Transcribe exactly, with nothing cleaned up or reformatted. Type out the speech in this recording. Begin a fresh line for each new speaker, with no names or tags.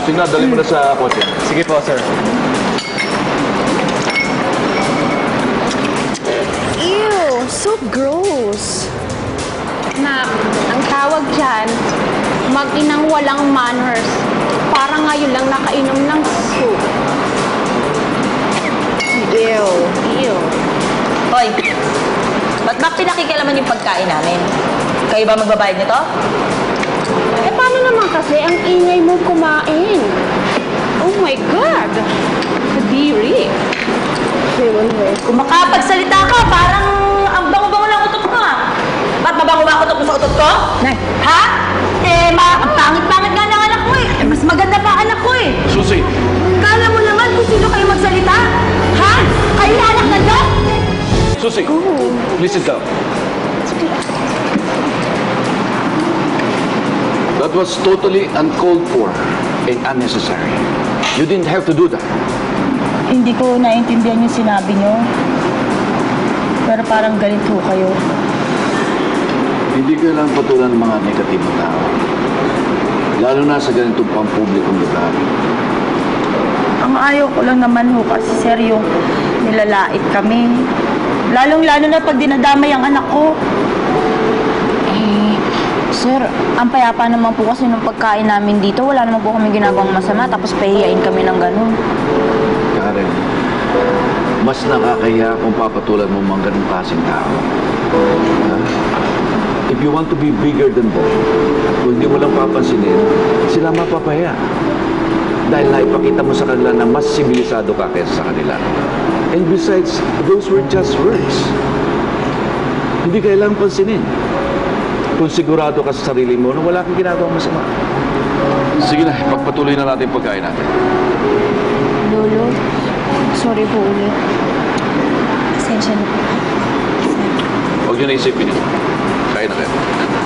Tingnan, dali mo na sa kotse.
Sige po, sir.
Ew, so gross. Na, ang tawag dyan, mag-inang walang manners. Parang ngayon lang nakainom ng soup. Ew. Ew.
Hoy, ba't ba pinakikialaman yung pagkain namin? Kayo ba magbabayad nito?
Eh, paano naman kasi ang ingay mo kumain? Oh my God! Kadiri.
Kung makapagsalita ka, parang ang bango-bango ng utot mo ah. Ba't mabango ba ang utot mo sa utot ko?
Nay.
Ha? Eh, ma ang pangit-pangit nga ng anak mo eh. Eh, mas maganda pa ang anak ko eh.
Susi!
Kala mo naman kung sino kayo magsalita? Ha? Kayo na anak na Diyos?
Susi! Please sit down. That was totally uncalled for and unnecessary. You didn't have to do that.
Hindi ko naiintindihan yung sinabi nyo. Pero parang galit ho kayo.
Hindi ka lang patulan ng mga negatibong tao. Lalo na sa ganitong pampublikong lugar.
Ang ayaw ko lang naman ho kasi sir yung nilalait kami. Lalong-lalo na pag dinadamay ang anak ko.
Eh, sir, ang payapa naman po kasi ng pagkain namin dito. Wala naman po kami ginagawang masama, tapos pahihiyain kami ng ganun.
Karen, mas nakakahiya kung papatulan mo mga ganong klaseng tao. Ha? If you want to be bigger than them, kung hindi mo lang papansinin, sila mapapahiya. Dahil naipakita mo sa kanila na mas sibilisado ka kaysa sa kanila. And besides, those were just words. Hindi kailangang pansinin. Kung sigurado ka sa sarili mo na wala kang ginagawang masama. Sige na, pagpatuloy na natin yung pagkain natin.
Lolo, sorry po ulit. Pasensya na po.
Huwag nyo na isipin yun. Kain na kayo.